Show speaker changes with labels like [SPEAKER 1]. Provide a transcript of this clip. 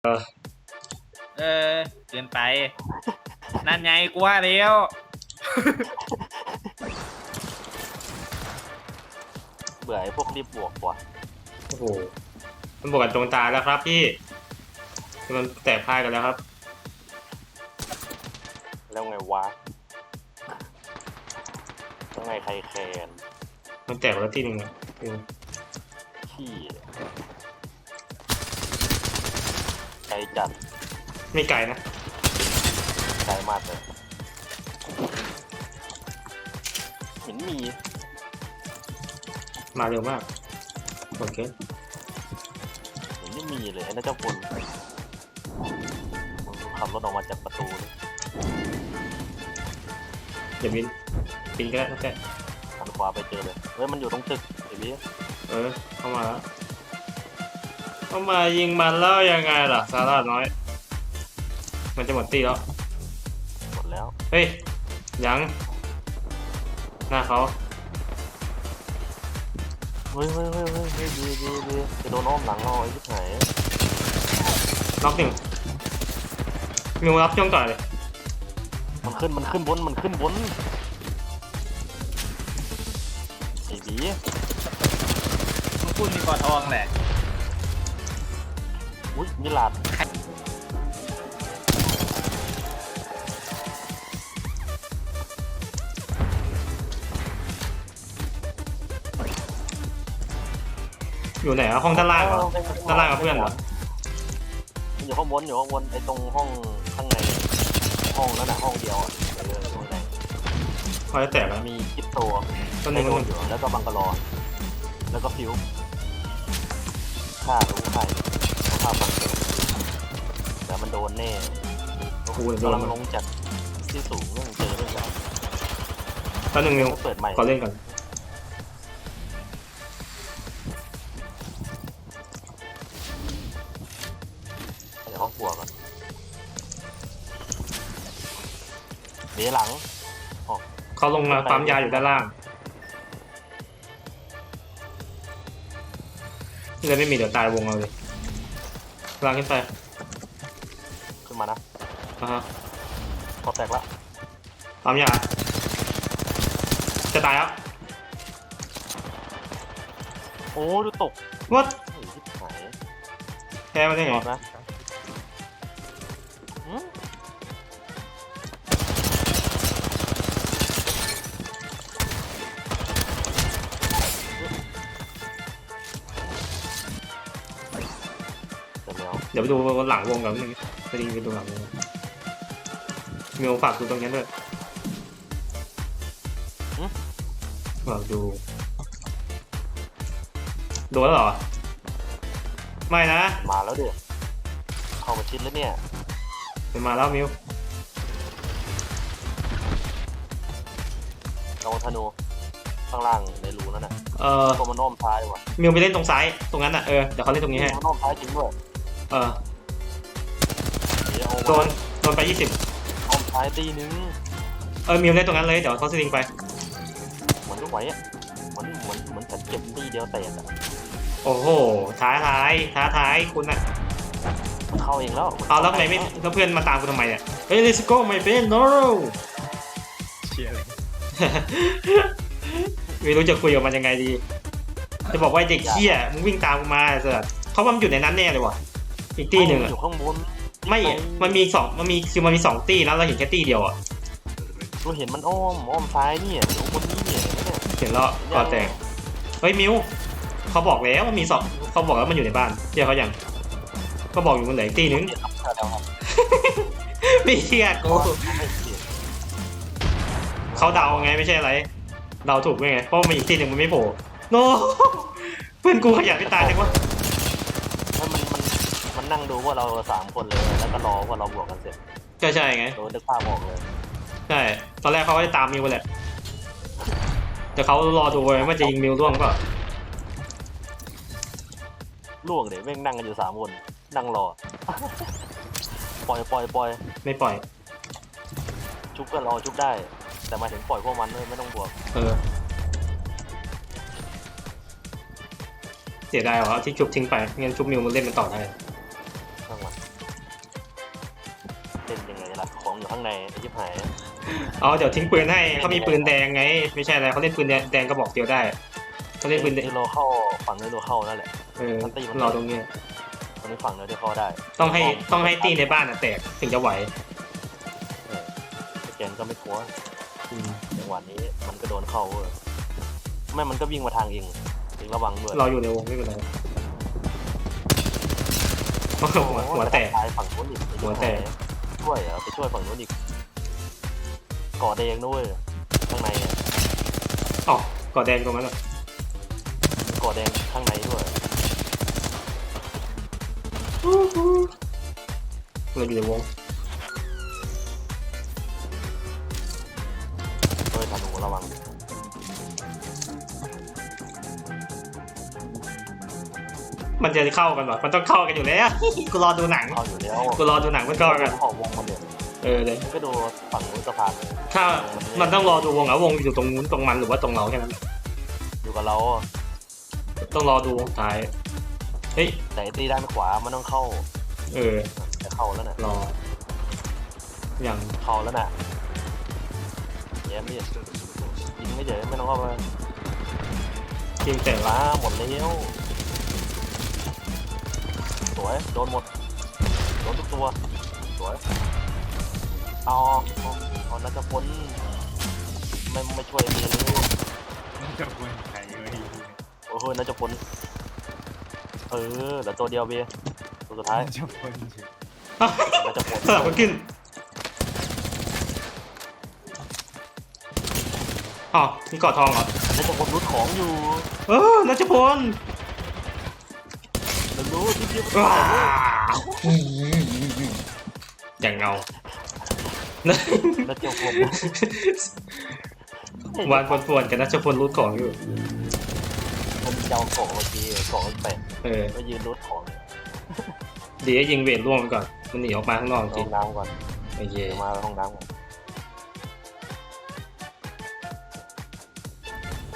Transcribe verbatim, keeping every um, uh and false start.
[SPEAKER 1] เออ
[SPEAKER 2] เออเกินไปนั่นไงกูว่าแล้ว
[SPEAKER 3] เบื่อไอ้พวกรีบบวกว่ะ
[SPEAKER 1] โอ้โหมันบวกกันตรงตาแล้วครับพี่มันแตกพ่ายกันแล้วครับ
[SPEAKER 3] แล้วไงวะแล้วไงใครแคน
[SPEAKER 1] มันแตกแล้วทีหนึ่งอ่ะ
[SPEAKER 3] ขี้ไกลจัด
[SPEAKER 1] ไม่ไกลนะ
[SPEAKER 3] ไกลมากเลยเห็นมี
[SPEAKER 1] มาเร็วมากโอเค
[SPEAKER 3] เห็นไม่มีเลยไอ้นั่นเจ้าคนขับรถออกมาจากประตู
[SPEAKER 1] เดี๋ยวบินบินก็ได้ตั้งแต่
[SPEAKER 3] หันขวาไปเจอเลยเฮ้ยมันอยู่ตรงตึกไอ้พี่
[SPEAKER 1] เออเข้ามาแล้วเข้ามายิงมันแล้วยังไงล่ะซาร่าน้อยมันจะหมดตีแล้ว
[SPEAKER 3] หมดแล้ว
[SPEAKER 1] เฮ้ยยังหน้าเขา
[SPEAKER 3] เฮ้ยเฮ้ยเฮ้ยเฮ้ยเฮ้ยดีดีดีจะโดนอ้อมหลังเราไอ้ที่ไหน
[SPEAKER 1] น็อกหนึ่งมิวรับช่วงต่อเลย
[SPEAKER 3] มันขึ้นมันขึ้นบนมันขึ้นบนไอ้บี
[SPEAKER 2] มึงพูดมีกอทองแหละ
[SPEAKER 3] อุ้ยมิลาด
[SPEAKER 1] อยู่ไหนอะห้องด้านล่างเหรอด้านล่างกับเพื่อนเหรอ
[SPEAKER 3] อยู่ข้างบนอยู่ข้างบนไอ้ตรงห้องข้างในห้องนั้นน่ะห้องเดียวอ่ะเออตรงไหน
[SPEAKER 1] พอจะแตกแล้ว
[SPEAKER 3] มีคิปโต
[SPEAKER 1] ต้นหนึ่งต้นหนึ่ง
[SPEAKER 3] แล้วก็บังกะลอแล้วก็ฟิวฆ่ารู้ใครฆ่าบังแต่มันโดนแน่กำลังลงจากที่สูงเรื่องเจอเรื่องใหญ่
[SPEAKER 1] ต้นหนึ่งมิว
[SPEAKER 3] เปิดใหม่
[SPEAKER 1] ขอเล่นก่อน
[SPEAKER 3] ห้องครัวก่อนเดี๋ยวหลัง
[SPEAKER 1] เขาลงมาปั๊มยาอยู่ด้านล่างเลยไม่มีเดี๋ยวตายวงเราเลยล่างขึ้นไป
[SPEAKER 3] ขึ้นมานะ
[SPEAKER 1] อ่าฮะ
[SPEAKER 3] พอแตกแล้ว
[SPEAKER 1] ปั๊มยาจะตายแล้ว
[SPEAKER 3] โอ้ดูตก
[SPEAKER 1] วัด
[SPEAKER 3] หาย
[SPEAKER 1] แพ้มาได้ไง
[SPEAKER 3] นะ
[SPEAKER 1] เดี๋ยวไปดูหลังวงกันนึงไปดูไปดูหลังวงมีโอกาสดูตรงนี้ด้วยเราดูดูแล้วเหรอไม่นะ
[SPEAKER 3] มาแล้วเดี๋ยวเข้ามาชิดแล้วเนี่ย
[SPEAKER 1] เป็นมาแล้วมิว
[SPEAKER 3] ลองธนูข้างล่างในรูนั่นน่ะ
[SPEAKER 1] เออ
[SPEAKER 3] ตัวมันอ้อมซ้ายว่ะ
[SPEAKER 1] มิวไปเล่นตรงซ้ายตรงนั้นน่ะเออเดี๋ยวเขาเล่นตรงนี้ให้
[SPEAKER 3] มันอ้อมซ้ายจริงด้วย
[SPEAKER 1] เออโดนโดนไปยี่สิบ
[SPEAKER 3] อ้อมซ้ายตีนึง
[SPEAKER 1] เออมิวเล่นตรงนั้นเลยเดี๋ยวเขาสลิงไป
[SPEAKER 3] เหมือนลูกไหวอ่ะเหมือนเหมือนเหมือนฉันเก็บตีเดียวแตกอ่ะ
[SPEAKER 1] โอ้โหท้าทายท้าทายคุณน่ะ
[SPEAKER 3] เข้าเองแล้ว
[SPEAKER 1] เอาแล้วทำไมไม่แล้วเพื่อนมาตามคุณทำไมเนี่ยเฮ้ย let's go my friend no
[SPEAKER 2] เชียร์เลย
[SPEAKER 1] ไม่รู้จะคุยกับมันยังไงดีจะบอกว่าเด็กเหี้ยมึงวิ่งตามกูมาเสร็จเขาว่ามันอยู่ในนั้นแน่เลยว่ะอีกตีหนึ่งอ่ะ
[SPEAKER 3] อยู่ข้างบน
[SPEAKER 1] ไม่มันมีสองมันมีคือมันมีสองตีนะเราเห็นแค่ตีเดียวอ่ะ
[SPEAKER 3] เราเห็นมันอ้อมอ้อมซ้ายนี่อยู่บนนี้เนี่ย
[SPEAKER 1] เห็นแล้วก็แตกเฮ้ยมิวเขาบอกแล้วมันมีสองเขาบอกแล้วมันอยู่ในบ้านเชื่อเขาอย่างก็บอกอยู่มันเหลืออีกตีนึงไม่เชื่อกูเขาเดาไงไม่ใช่อะไรเดาถูกไงเพราะมันอีกตีหนึ่งมันไม่โผล่โน้เพื่อนกูขยันไปตายจังวะ
[SPEAKER 3] มันมันมันนั่งดูว่าเราสามคนเลยแล้วก็รอว่าเราบวกกันเสร็จ
[SPEAKER 1] ก็ใช่ไง
[SPEAKER 3] โดนดึกภาพออกเลย
[SPEAKER 1] ใช่ตอนแรกเขาก็จะตามมิวแหละแต่เขารอดูว่าจะยิงมิวร่วงก็
[SPEAKER 3] ล่วงเดี๋ยวแม่งนั่งกันอยู่สามคนนั่งรอปล่อยปล่อยปล่อย
[SPEAKER 1] ไม่ปล่อย
[SPEAKER 3] ชุบก็รอชุบได้แต่มาถึงปล่อยพวกมันเลยไม่ต้องบวก
[SPEAKER 1] เออเสียดายเหรอที่ชุบทิ้งไปงั้นชุบมิวมันเล่นมันต่อได้
[SPEAKER 3] ล่นยังไงล่ะของอยู่ข้างในไอ้ชิบหาย
[SPEAKER 1] เอาเดี๋ยวทิ้งปืนให้เขามีปืนแดงไง ไม่ใช่อะไรเขาเล่นปืนแดงแดงกระบอกเดียวได้เขาเล่นปืนแดง
[SPEAKER 3] ที่เราเข้าฝั่งนี้เราเข้านั่นแหละ
[SPEAKER 1] เออรอตรงนี้
[SPEAKER 3] ตรงนี้ฝั่งเราได้เข้าได้
[SPEAKER 1] ต้องให้ต้องให้ตีในบ้านอ่ะแตกถึงจะไหว
[SPEAKER 3] เออสแกนก็ไม่กลัว
[SPEAKER 1] อืม
[SPEAKER 3] จังหวะนี้มันก็โดนเข้าเว้ยไม่มันก็วิ่งมาทางเองเองระวังด้วย
[SPEAKER 1] รออยู่ในวงไม่เป็นไรหัวหัวแตก
[SPEAKER 3] ไปฝั่งนู้นอีก
[SPEAKER 1] หัวแตก
[SPEAKER 3] ช่วยเหรอไปช่วยฝั่งนู้นอีกก่อแดงด้วยข้างในอ่ะ
[SPEAKER 1] อ๋อก่อแดงตรงนั้นอ่ะ
[SPEAKER 3] ก่อแดงข้างในด้วย
[SPEAKER 1] เราอยู่ในวง
[SPEAKER 3] เฮ้ยธนูระวัง
[SPEAKER 1] มันจะเข้ากันหรอมันต้องเข้ากันอยู่แล้วกูรอดูหนัง
[SPEAKER 3] เข้าอยู่แล้ว
[SPEAKER 1] กูรอดูหนังมันเข้ากัน
[SPEAKER 3] เข้าวงมันเดียว
[SPEAKER 1] เออเลย
[SPEAKER 3] ก็ดูฝั่งนู้นสะพาน
[SPEAKER 1] ถ้ามันต้องรอดูวงอ่ะวงอยู่ตรงนู้นตรงมันหรือว่าตรงเราแค่นั้น
[SPEAKER 3] อยู่กับเรา
[SPEAKER 1] ต้องรอดูท้ายเฮ้ย
[SPEAKER 3] แต่ไอ้ตีด้านขวามันต้องเข้า
[SPEAKER 1] เออ
[SPEAKER 3] แต่เข้าแล้วน่ะ
[SPEAKER 1] รออย่าง
[SPEAKER 3] เข้าแล้วน่ะแย้มดิยิงไม่เจอไม่ต้องเข้ามา
[SPEAKER 1] ทีมแต่ละ
[SPEAKER 3] ล้าหมดแล้วสวยโดนหมดโดนทุกตัวสวยเอาเอาเอานักพลไม่ไม่ช่วยดีเลย
[SPEAKER 2] จะควรใครเอ้ย
[SPEAKER 3] โอ้โหนักพลเออเหลือตัวเดียวเบียตัวสุดท้าย
[SPEAKER 2] จะควรเฉย
[SPEAKER 3] นักพล
[SPEAKER 1] สลับกันขึ้นอ๋อมีเกาะทองเหรอ
[SPEAKER 3] นักพลรูดของอยู่
[SPEAKER 1] เออนัชพล
[SPEAKER 3] เรารู้ที่เดียว
[SPEAKER 1] ว้าวอย่างเงา
[SPEAKER 3] นักพล
[SPEAKER 1] วานปวนๆกับนัชพลรูดของอยู่
[SPEAKER 3] มันจะเอาของเมื่อกี้ของแปะ
[SPEAKER 1] เออ
[SPEAKER 3] ก็ยืนรูดของ
[SPEAKER 1] ดีให้ยิงเวทล่วงไปก่อน มันหนีออกมาข้างนอกจ
[SPEAKER 3] ห้
[SPEAKER 1] ริ
[SPEAKER 3] อง งน้ำก่อน
[SPEAKER 1] โอเค
[SPEAKER 3] เดี๋ยวมาห้องน้ำก่อน